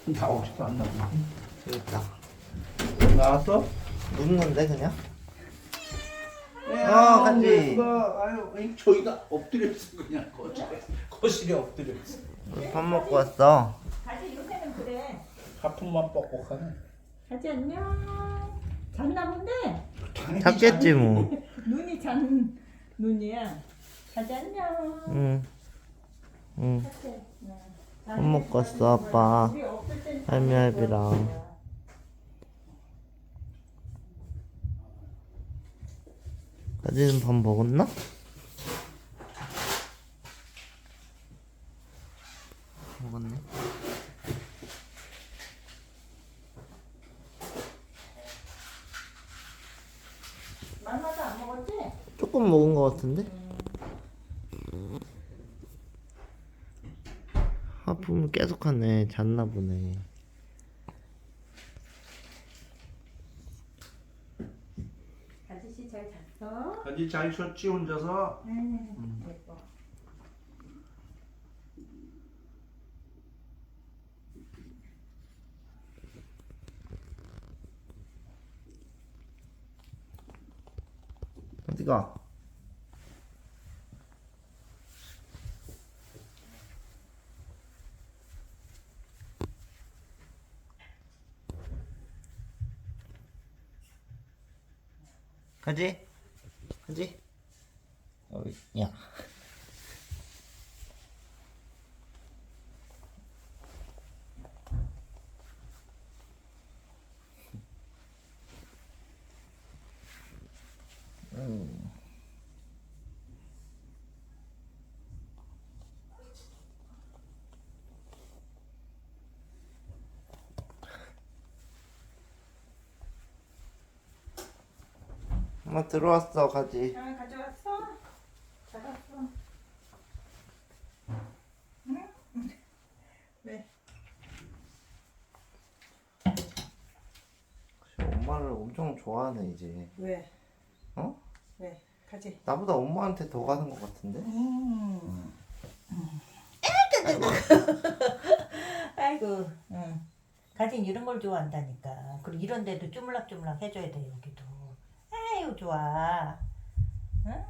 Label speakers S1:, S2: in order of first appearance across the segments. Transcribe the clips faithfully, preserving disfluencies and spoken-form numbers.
S1: 나오지도 않나 보네.
S2: 여기 있다.
S1: 나왔어?
S2: 눕는데 그냥?
S1: 아,
S2: 간지.
S1: 아유, 아니, 저희가 엎드렸어 그냥 거실에. 거실에 엎드렸어.
S2: 우리 밥 먹고 왔어.
S3: 가지 요새는 그래.
S1: 하품만 뻑뻑하네.
S3: 가지 안녕. 잤나 본데?
S2: 잤겠지 뭐.
S3: 눈이 잔 눈이야. 가지 안녕.
S2: 응. 응.
S3: 가지. 응.
S2: 밥 먹고 왔어 아빠.
S3: 우리 없을 땐
S2: 할미 할비랑. 가지는 밥 먹었나? 먹었네.
S3: 만나도 안 먹었지?
S2: 조금 먹은 거 같은데? 하품을 계속 하네. 잤나 보네.
S3: 가지 씨 잘 잤어?
S1: 가지 잘 쉬었지 혼자서?
S3: 응. 예뻐.
S2: 어디가? 가지? 가지? 어이, 야. 음. 엄마 들어왔어 가지.
S3: 아, 가져왔어? 잡았어. 응? 왜?
S2: 엄마를 엄청 좋아하네 이제.
S3: 왜?
S2: 어?
S3: 왜? 가지.
S2: 나보다 엄마한테 더 가는 것 같은데?
S3: 음. 아이고, 응. 가진 이런 걸 좋아한다니까. 그리고 이런 데도 쪼물락쪼물락 해줘야 돼, 여기도. 아유, 좋아. 응?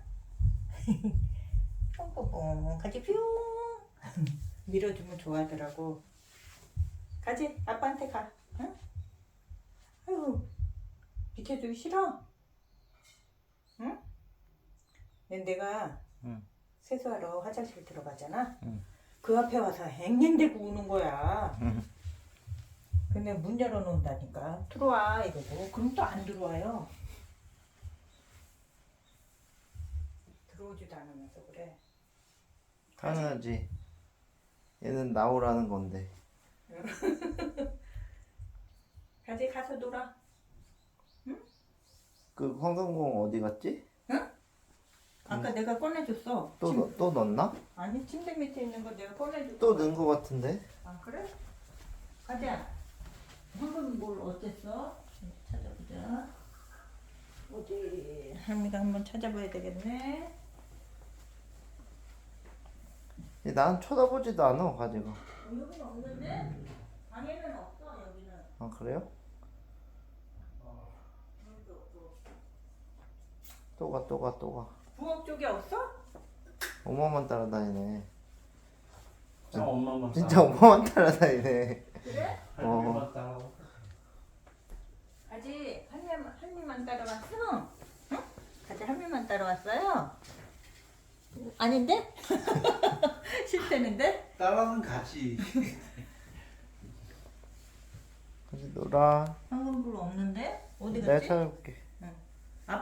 S3: 뽕뽕뽕. 가지 뿅. 밀어주면 좋아하더라고. 가지, 아빠한테 가. 응? 아유, 비켜주기 싫어? 응? 내가
S2: 응.
S3: 세수하러 화장실 들어가잖아.
S2: 응.
S3: 그 앞에 와서 앵앵대고 우는 거야.
S2: 응.
S3: 근데 문 열어놓는다니까. 들어와 이러고. 그럼 또 안 들어와요. 들어오지도 않으면서 그래.
S2: 당연하지. 얘는 나오라는 건데.
S3: 가지 가서 놀아.
S2: 그 황금공 어디 갔지?
S3: 응? 아까 내가 꺼내줬어.
S2: 또,
S3: 침-
S2: 넣- 또 넣었나?
S3: 아니 침대 밑에 있는 거 내가 꺼내줬어.
S2: 또 넣은 거 같은데?
S3: 아 그래? 가자. 황금 뭘 어땠어? 찾아보자. 어디? 할미가 한번 찾아봐야 되겠네.
S2: 얘 난 쳐다보지도 않아 가지고.
S3: 어, 여기는 없는데? 방에는 없어 여기는.
S2: 아 그래요?
S3: 여기도 없고.
S2: 또 가 또 가 또 가.
S3: 부엌 쪽에 없어?
S2: 엄마만 따라다니네.
S1: 진짜 엄마만
S2: 진짜 엄마만 따라다니네.
S3: 그래?
S1: 할머니만 따라오고.
S3: 아직 할미만 할미만 따라왔어? 응? 아직 할미만 따라왔어요? 아닌데? 싫다는데?
S1: 따라는 가지.
S2: 가지 놀아.
S3: 황금불 없는데? 어디
S2: 내가
S3: 갔지?
S2: 찾아볼게.